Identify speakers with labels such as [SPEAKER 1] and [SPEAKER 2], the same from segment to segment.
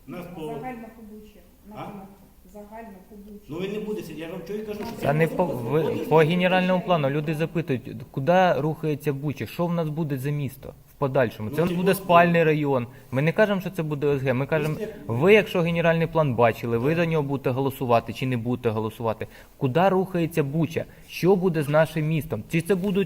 [SPEAKER 1] Нас по...
[SPEAKER 2] Загально побуче.
[SPEAKER 1] А?
[SPEAKER 2] Загально побуче.
[SPEAKER 1] Ну він не буде сидіти, я вам чого і кажу, що
[SPEAKER 3] Та не по генеральному плану. Люди запитують, куди рухається Буча, що в нас буде за місто в подальшому. Це у нас буде спальний район. Ми не кажемо, що це буде ОСГ. Ми кажемо, ви, якщо генеральний план бачили, ви за нього будете голосувати чи не будете голосувати. Куди рухається Буча? Що буде з нашим містом? Чи це будуть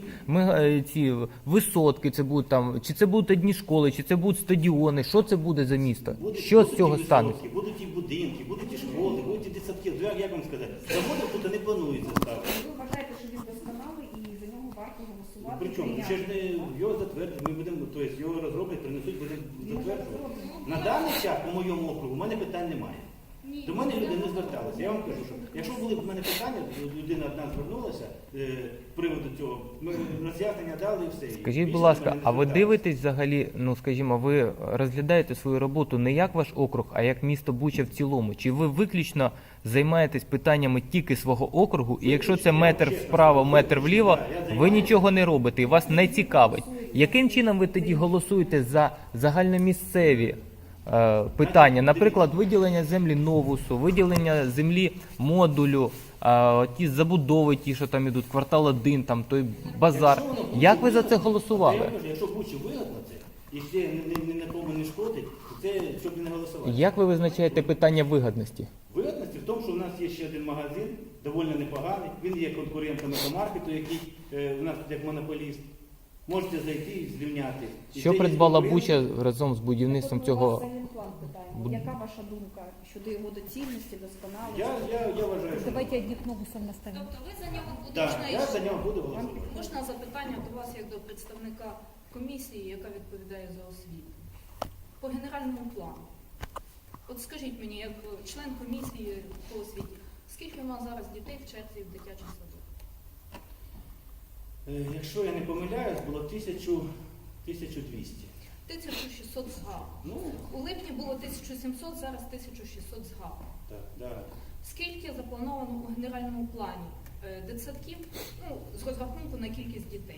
[SPEAKER 3] ці висотки, це будуть там, чи це будуть одні школи, чи це будуть стадіони? Що це буде за місто? Що з цього станеться?
[SPEAKER 1] Будуть і будинки, будуть і школи, будуть і дитсадки. Як вам сказати? Заводи тут не планується ставити.
[SPEAKER 2] Ви вважаєте, що він досконалий і за нього варто голосувати?
[SPEAKER 1] Причому, ще ж не його затвердять, ми будемо, тобто його розроблять, принесуть, будемо затверджувати. На даний час, по моєму округу, у мене питань немає. До мене люди не зверталися. Я вам кажу, що якщо були б в мене питання, людина одна звернулася з приводу цього, ми роз'яснення дали і все.
[SPEAKER 3] Скажіть, будь ласка, а ви дивитесь взагалі, ну скажімо, ви розглядаєте свою роботу не як ваш округ, а як місто Буча в цілому? Чи ви виключно займаєтесь питаннями тільки свого округу, і якщо це метр вправо, метр вліво, ви нічого не робите і вас не цікавить? Яким чином ви тоді голосуєте за загальномісцеві питання, наприклад, виділення землі Новусу, виділення землі модулю, ті забудови, ті, що там ідуть, квартал 1, там той базар. Як ви за це голосували?
[SPEAKER 1] Я кажу, якщо Бучі вигодно це, і ще ні на кому не шкодить, то це щоб не голосувати.
[SPEAKER 3] Як ви визначаєте питання вигодності?
[SPEAKER 1] Вигодності в тому, що у нас є ще один магазин, доволі непоганий, він є конкурентом екомаркету, який у нас як монополіст. Можете зайти і зрівняти.
[SPEAKER 3] Що придбала Буча разом з будівництвом цього?
[SPEAKER 2] Яка ваша думка щодо його доцільності, досконалості?
[SPEAKER 1] Я вважаю, що...
[SPEAKER 4] Давайте одних Новусом наставим.
[SPEAKER 5] Тобто ви за нього будете
[SPEAKER 1] Так, я за нього буду голосувати.
[SPEAKER 5] Можна запитання до вас як до представника комісії, яка відповідає за освіту? По генеральному плану. От скажіть мені, як член комісії по освіті, скільки у нас зараз дітей в черзі в дитячий садок?
[SPEAKER 1] Якщо я не помиляюсь, було 1200.
[SPEAKER 5] 1600 згав.
[SPEAKER 1] Ну,
[SPEAKER 5] У липні було 1700, зараз 1600 згав.
[SPEAKER 1] так, да.
[SPEAKER 5] Скільки заплановано у генеральному плані дитсадків, ну, з розрахунку на кількість дітей?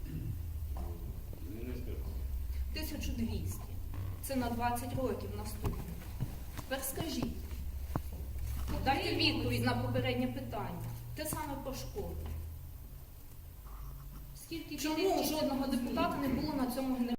[SPEAKER 1] Не скажу.
[SPEAKER 5] 1200. Це на 20 років наступно. Тепер скажіть, дайте відповідь на попереднє питання. Те саме про школу. Чому жодного депутата не було на цьому генеральному?